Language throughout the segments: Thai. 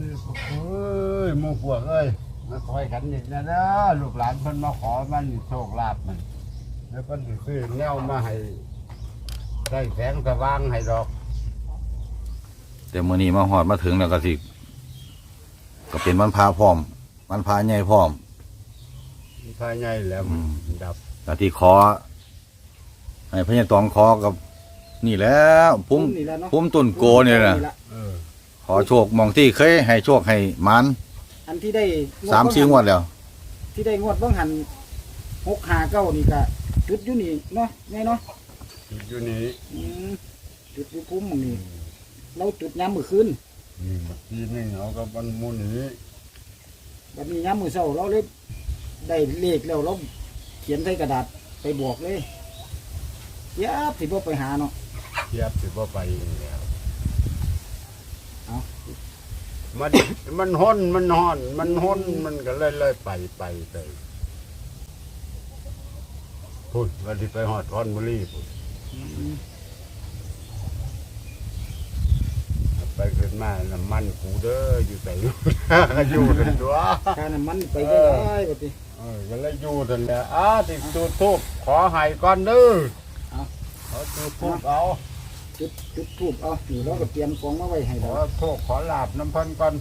เอ้ยหมู่พวกเอ้ยมาคอยกันนี่นะเด้อลูกหลานเพิ่นมาขอมันโชคลาภมันแล้วเพิ่นสิซื้อแนวมาให้ได้แสงสว่างให้ดอกแต่มื้อนี้มาฮอดมาถึงแล้วก็สิก็เป็นวันพระพร้อมวันพระใหญ่พร้อมภายในแล้วดับก็ที่ขอให้พญาตองขอกับนี่แหล้วพุ่มนี่แหละเนาะพุ่มต้นโกนี่น่ะเออขอโชคมองที่เคยให้โชคให้หมันอันที่ได้ 3-4งวดแล้วที่ได้งวดบ้างหัน659นี่ก็จุดอยู่นี่เนาะไงเนาะอยู่นี่จุดอยู่พุ่มหม้องนี้เราจุดยามมื้อคืนนี่เมื่อกี้นี่เอากับมันหมูนี้บัดนี้ยามมื้อเช้าเราเลยได้เลขแล้วเราเขียนใส่กระดาษไปบอกเลยยับสิบ่ไปหาเนาะเทียบสิบ่ไปแล้วเอามันห้นมันห้อนมันห้นมันก็เลยไปพุ่นวันที่ไปหอดคอนบุรีพุ่นไปขึ้นมาน้ำมันกูเด้ออยู่แต่อยู่ อยู่นั่นตัวค่าน้ำมันไปได้บัดนี้ก็เลยอยู่นั่นแหละติดจุดทูบขอให้ก่อนเด้อเอาขอจุดทูบเอาจุดทูบเอานี่เราก็เตรียมของมาไว้ให้ขเราอโทษขอลาบน้ำเพันก่อน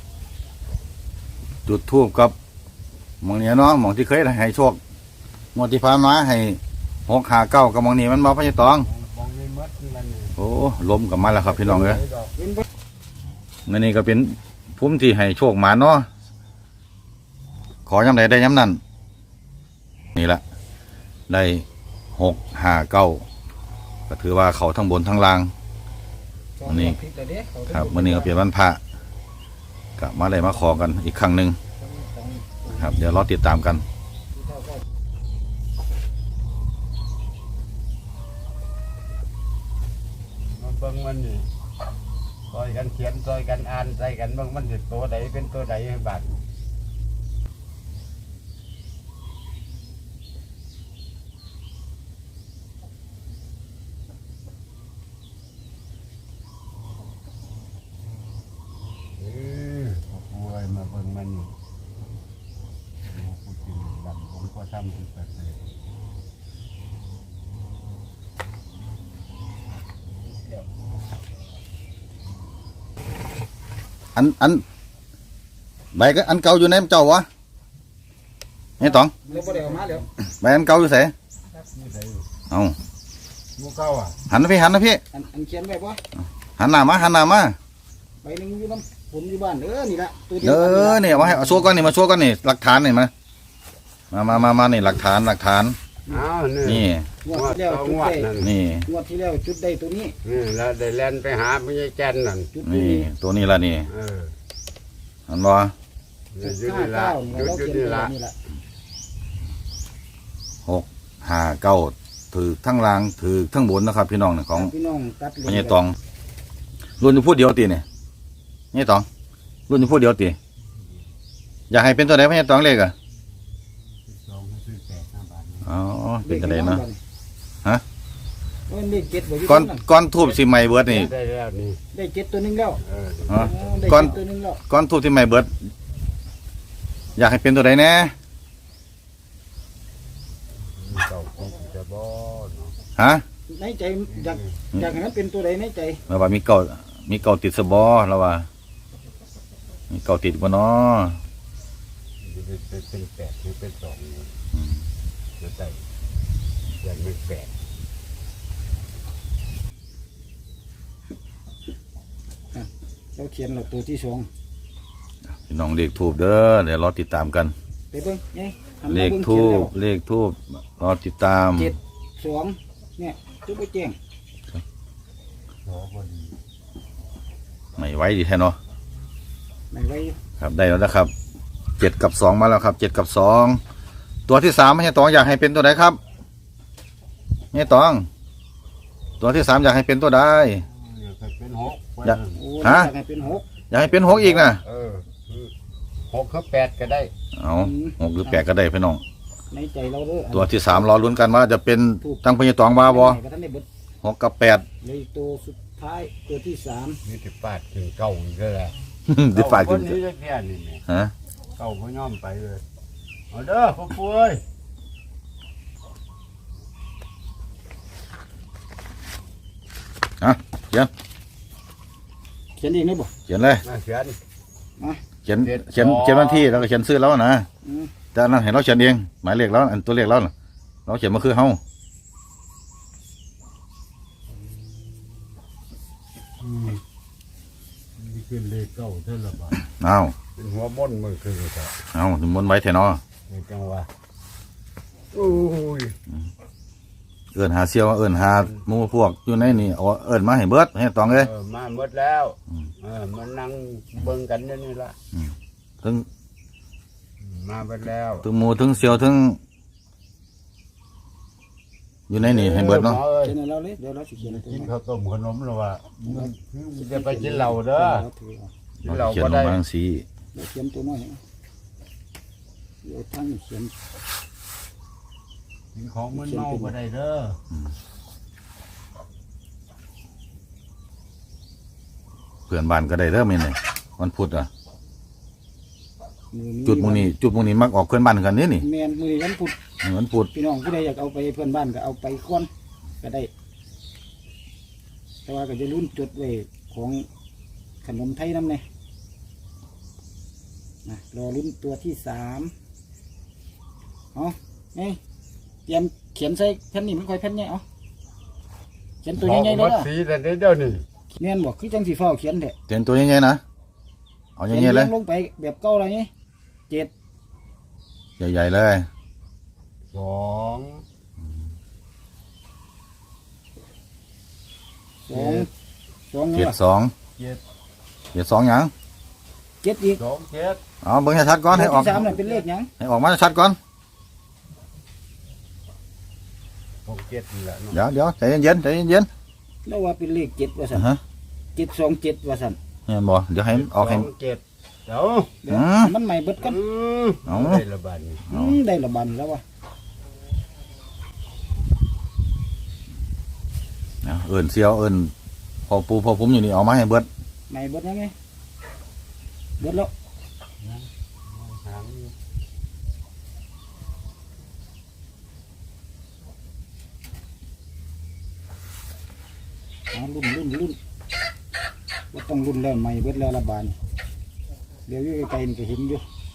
จุดธูปกับหมองนี้เนาะหมองที่เคยให้โชคงวดที่ผ่านมาให้659กับหมองนี้มันบ่พญาตองมองนี่มัดนั่นนี่โอ้ลมกลับมาแล้วครับพี่น้องเอ้ยเว้นบ่อันนี้ก็เป็นภูมิที่ให้โชคหมาเนาะขอยำใดได้ยำนั้นนี่ละได้659ก็ถือว่าเขาทั้งบนทั้งล่าง อันนี้ผิดแล้วเด้เขาครับมื้อนี้ก็เป็นวันพระก็มาได้มาขอกันอีกครั้งหนึ่งครับเดี๋ยวรอติดตามกันมันเบิ่งมันนี่ซอยกันเขียนซอยกันอ่านใส่กันเบิ่งมันสิตัวใดเป็นตัวใดให้บาดป่วยมาเบิ่งมันนี่ผู้กินดำผมก็ทำที่ประเสริฐอันใบก็อันเก่าอยู่ในเจ้าวะนี่ตองเราบ่ได้เอามาแล้วใบอันเก่าอยู่ไสนี่ใส่เอาหมูเก้าอ่ะหันนะพี่อันเขียนไว้บ่หันหน้ามาใบหนึงอยู่น้ำผมอยู่บ้านนี่ละตัวเดีเอวกันนี่อล่ะเนี่ยมาให้เอาโชว์ก่อนนี่มาโชว์ก่อนนี่หลักฐานนี่มานี่หลักฐานอ้าวนี่งวดที่แล้วจุดงวดได้นั่นนี่งวดที่แล้วจุดได้ตัวนี้นี่แล้วได้แล่นไปหาไม่ใช่แกนนั่นจุดนี่นี้ตัวนี้ละนี่เอออันบ่นี่ยุดนี่ละ 659 ยุดเรายุดเขียนนี่ไว้ละนี่ละ 659ถือทั้งล่างถือทั้งบนนะครับ พี่น้องของพี่น้องตัดเลพญาตองรุ่นอยู่พูดเดียวตีเนี่ยนี่ตองรุ่นอยู่พูดเดียวตีอยากให้เป็นตัวไหนพญาตองเลขอ่ะสองซื้อแปด5 บาทอ๋อเป็นตัวไหนเนาะ ฮะมันเลขเจ็ดบ่อยู่ก้อนตรงก้อนทูบสิใหม่เบิดนี่ได้แล้วนี่ได้เจ็ดตัวหนึงแล้วเอออ๋อได้ก้อนเจ็ดตัวหนึงแล้วก้อนทูบสิใหม่เบิดอยากให้เป็นตัวไหนแน่เก้าคงจะบ่เนาะฮะในใจอยากให้มันเป็นตัวใดในใจเราว่ามีเก่าติดสบอเราว่ามีเก่าติดบ่เนาะเป็นแปดหรือเป็นสองเนี่ยจะได้อย่างเป็นแปดเราเขียนเราตัวที่สองพี่น้องเลขทูบเด้อเดี๋ยวรอติดตามกันไปเบิ่งไงหันเลมาขบิ่งทูเขียนบรอติดตามแล้ว7 2เนี่ยจุดไปแจ้งขอบ่ดีไม่ไหวดีแท้เนาะไม่ไว้ครับได้แล้วนะครับ7 กับ 2มาแล้วครับ7 กับ 2ตัวที่3ให้ตองอยากให้เป็นตัวไหนครับให้ตองตัวที่3อยากให้เป็นตัวใดอยากให้เป็นหกอยากโอ้ฮะอยากให้เป็น6 อยากให้เป็น6อีกนะเออหกคือแปดก็ได้เอา6หรือ8ก็ได้พี่น้องในใจเราเด้อตัวที่3รอลุ้นกันว่าจะเป็นตั้งพญาตองว่าบ่ก็ท่านได้เบิด 6 กับ 8 เลยตัวสุดท้ายตัวที่3 นี่ที่ปาดถึงเก้าอีกแล้วแหละได้ฝากคถึนงนี้จะแก่นี่นี่ฮะเก่าพ่อย่อมไปเลยเอาเด้อพ่อปุ้ยเขียนเองได้บ่เขียนเลยมาเขียนเขียนวันที่แล้วก็เขียนซื้อแล้วนะอืมแต่อันนั้นเห็นเราเขียนเองหมายเลขแล้วอันตัวเลขแล้วน่ะเราเขียนมาคือเฮานี่คือเลขเก่าเท่าละบาทอ้าวเป็นหัวม่อนมือคือแต่เอามนต์ไว้แท้เนาะในจังหวะโอ้ยเอิ้นหาเสี่ยวเอิ้นหาหมู่พวกอยู่ในนี่เอาเอิ้นมาให้เบิดให้ตองเลยมาหมดแล้วอืมมันนั่งเบิ่งกันอยู่นี่ละถึงมาหมดแล้วถึงหมู่ถึงเสี่ยวถึงอยู่ในนี่ให้เบิดเนาะหมออ้ยเขียนให้เราเลยเดี๋ยวเราสิเขียนให้ตัวกินนี้ข้าวต้มขนมหรือว่าจะไปกินเหล้าเด้อเราถือเอากินเหล้าเขียนก็ลงได้มาจังซี่เดี๋ยวเขียนตัวน้อยเดี๋ยวทั้งนี้เขียนกินของมันเมาก็ได้เด้อเพื่อนบ้านก็ได้เด้อแม่นนี่วันพุธอ่ะมือนี้จุดหมู่นี้มักออกเพื่อนบ้านกันนี่นี่แมนมือนี้วันพุธวันพุธพี่น้องผู้ใดอยากเอาไปเพื่อนบ้านก็เอาไปก่อนก็ได้ แต่ว่าก็จะรุ่นจดไว้ของขนมไทยน้ำเนี่ยนะรอรุ่นตัวที่3เอานี่เตรียมเขียนใส่แผ่นนี้มันค่อยแผ่นใหญ่เอาเขียนตัวใหญ่ๆหมเลยดอ่ะสีแต่เดี๋ยวนี้แม่นบอกคือจังสีฟ้าเขียนแท้เขียนตัวใหญ่ๆนะเอาเขียนใหญ่ๆเลยลงไปแบบเก่าอะไรนี่7 ใหญ่ๆเลยสอง 2 เจ็ดเนี่ยสองเจ็ดเจ็ดสองหยัง 7อีกสองเจ็ดเอาเบิ่งให้ชัดก่อนให้ออกที่3น่ะเป็นเลขหยังให้ออกมาชัดก่อนสองเจ็ดนี่แหละเนาะเดี๋ยวใจเย็นๆใจเย็นแล้วว่าเป็นเลข7ว่าๆซั่นฮะ 727ว่าซั่นเห็นบ่เดี๋ยวให้ออกให้สองเจ็ดเดี๋ยวเดี๋ยวอืมมันใหม่เบิดกันเอาได้ละบาทนี่ได้ละบันแล้ววะเอิ้นเสียวเอิ้นพอปูพอผมอยู่นี่เอามาให้เบิดใหม่เบิดยังไงเบิดแล้วหางอยู่รุ่นว่าต้องรุ่นแล้วใหม่เบิดแล้วละบานเดี๋ยวอยู่ไกลๆนี่ก็เห็นอยู่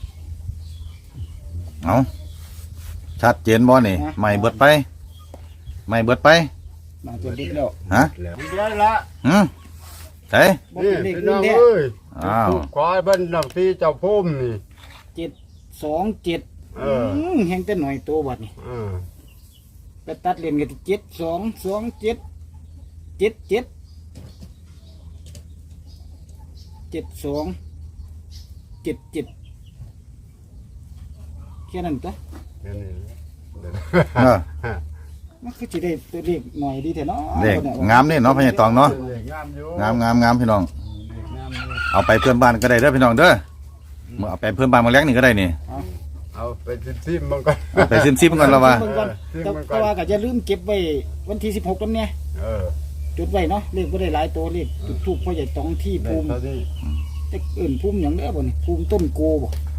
เอาชัดเจนบ่นี่ไม่เบิดไปไม่เบิดไปบางตัวเบิดแล้วฮะแล้วเดี๋ยวละใช่บ่นี่เป็นเลขพี่รุ่น้อน งแท้เอ้ยอ้าวถูกควายเบิ้ลน้ำตีเจ้าพุ่มนี่ 727 เออแห้งแต่หน่อยโตบัดนี่เออไปตัดเลนกันที่7227 72 77แค่นั้นตัวแค่นี้แหละเดี๋ยวเออมันคือสิได้ตัวเลขหน่อยดีแท้เนาะเลขงามนี่เนาะพญาตองเนาะเลขงามอยู่งามพี่น้องเลขงามอยู่เอาไปเพื่อนบ้านก็ได้เด้อพี่น้องเด้อมื่อเอาไปเพื่อนบ้านมาแล้งนี่ก็ได้นี่เอาไปซิมมันก่อนเอาไปซิมๆกันแล้วว่าเบิ่งก่อนซิมแต่มันก่แต่อนว่าก็จะลืมเก็บไว้วันที่16นำเนี่ยเออจุดไว้เนาะเลขบ่ได้หลายตัวเลขจุดทูปพ่อใหญ่ตองที่ได้ภูมิเท่านี้แต่เอิ่นภูมิหยังเด้อบ่นี่ภูมิต้นโกบ่